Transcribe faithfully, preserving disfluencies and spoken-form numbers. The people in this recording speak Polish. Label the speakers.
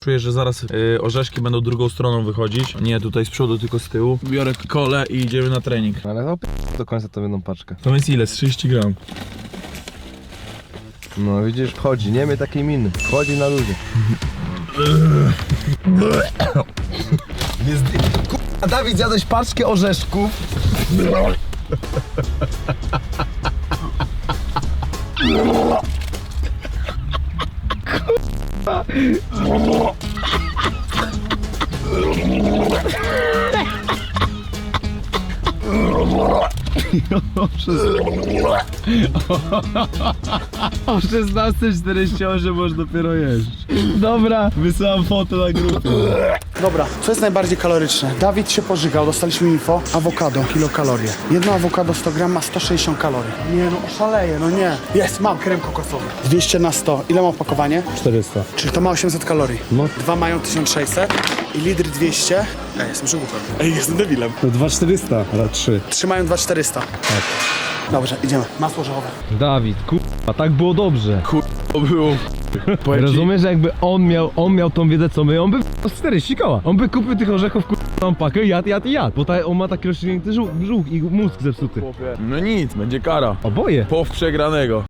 Speaker 1: Czuję, że zaraz yy, orzeszki będą drugą stroną wychodzić. Nie tutaj z przodu, tylko z tyłu. Biorę kolę i idziemy na trening.
Speaker 2: Ale no, do końca to jedną paczkę.
Speaker 1: To jest ile? Z trzydzieści gram.
Speaker 2: No widzisz, wchodzi, nie miej takiej miny. Wchodzi na ludzie. Jest... K***a, Dawid, zjadłeś paczkę orzeszków.
Speaker 3: O szesnastej czterdzieści osiem możesz dopiero jeść. Dobra, wysyłam foto na grupę.
Speaker 4: Dobra, co jest najbardziej kaloryczne? Dawid się pożygał, dostaliśmy info. Awokado, kilokalorie. Jedno awokado sto gram ma sto sześćdziesiąt kalorii. Nie no, oszaleję, no nie. Jest, mam krem kokosowy. dwieście na sto. Ile ma opakowanie?
Speaker 3: czterysta.
Speaker 4: Czyli to ma osiemset kalorii.
Speaker 3: No.
Speaker 4: Dwa mają tysiąc sześćset i litr dwieście. Ej, jestem żółtem. Ej, jestem debilem.
Speaker 3: To dwa czterysta, ale trzy.
Speaker 4: Trzy mają dwa czterysta. Tak. Dobrze, idziemy. Masło orzechowe.
Speaker 5: Dawid, kurwa, tak było dobrze.
Speaker 1: To było. Powiem ci,
Speaker 5: Rozumiesz, że jakby on miał, on miał tą wiedzę co my, on by w czterdzieści koła. On by kupił tych orzechów, kurwa, pakę, jadł, jadł i jadł. Bo ta, on ma taki rozciągnięty żółk, żółk i mózg zepsuty.
Speaker 1: No nic, będzie kara.
Speaker 5: Oboje.
Speaker 1: Pow przegranego.